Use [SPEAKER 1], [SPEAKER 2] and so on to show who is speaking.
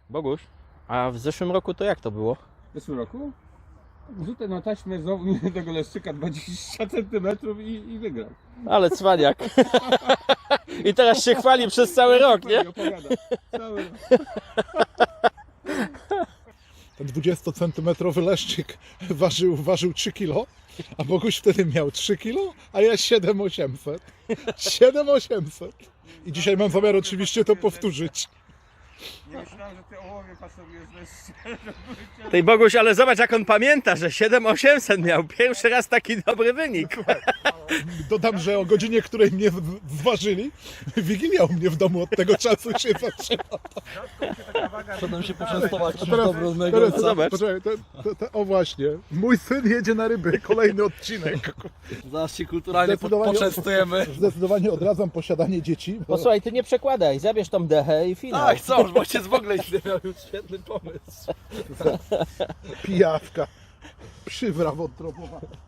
[SPEAKER 1] Boguś, a w zeszłym roku to jak to było?
[SPEAKER 2] W zeszłym roku wrzucę na taśmę znowu tego leszczyka 20 cm i wygram.
[SPEAKER 1] Ale cwaniak. I teraz się chwali przez cały rok, nie?
[SPEAKER 2] Opowiada. Cały rok.
[SPEAKER 3] Ten 20-centymetrowy leszczyk ważył 3 kg, a Boguś wtedy miał 3 kg, a ja 7800. 7800. I dzisiaj mam zamiar oczywiście to powtórzyć.
[SPEAKER 2] Nie myślałem, że ty ołowie pasowujesz leszcze.
[SPEAKER 1] Tej Boguś, ale zobacz jak on pamięta, że 7800 miał. Pierwszy raz taki dobry wynik.
[SPEAKER 3] Dodam, że o godzinie, której mnie zważyli, Wigilia u mnie w domu od tego czasu się zaczęła.
[SPEAKER 4] Potem się poczęstować czymś
[SPEAKER 3] teraz-
[SPEAKER 4] dobrego.
[SPEAKER 3] Teraz,
[SPEAKER 1] Zobacz.
[SPEAKER 3] poczekaj, o właśnie, mój syn jedzie na ryby, kolejny odcinek.
[SPEAKER 4] Zaraz się kulturalnie poczęstujemy.
[SPEAKER 3] Zdecydowanie odradzam posiadanie dzieci.
[SPEAKER 1] Posłuchaj, ty nie przekładaj, zabierz tą dechę i finał.
[SPEAKER 4] Tak, co? Bo ojciec w ogóle nie miał już świetny pomysł.
[SPEAKER 3] Pijawka, przywra wątrobowa.